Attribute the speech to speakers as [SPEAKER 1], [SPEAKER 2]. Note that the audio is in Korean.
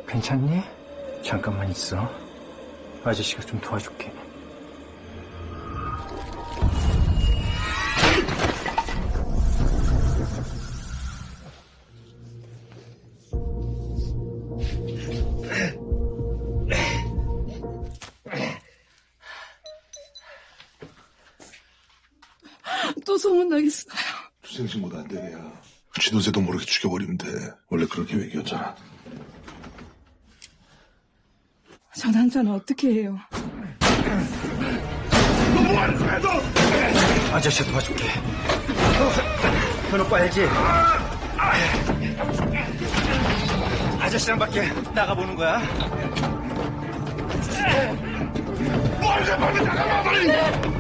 [SPEAKER 1] 괜찮니? 잠깐만 있어. 아저씨가 좀 도와줄게.
[SPEAKER 2] 또 소문나겠어요.
[SPEAKER 3] 투생신고도 안 되냐. 지도새도 모르게 죽여버리면 돼. 원래 그런 계획이었잖아.
[SPEAKER 2] 전 한자는 어떻게 해요?
[SPEAKER 3] 너 뭐하는 거야 너!
[SPEAKER 1] 아저씨 도와줄게. 현오빠 알지? 아저씨랑 밖에 나가보는 거야.
[SPEAKER 3] 빨리 나가봐 빨리!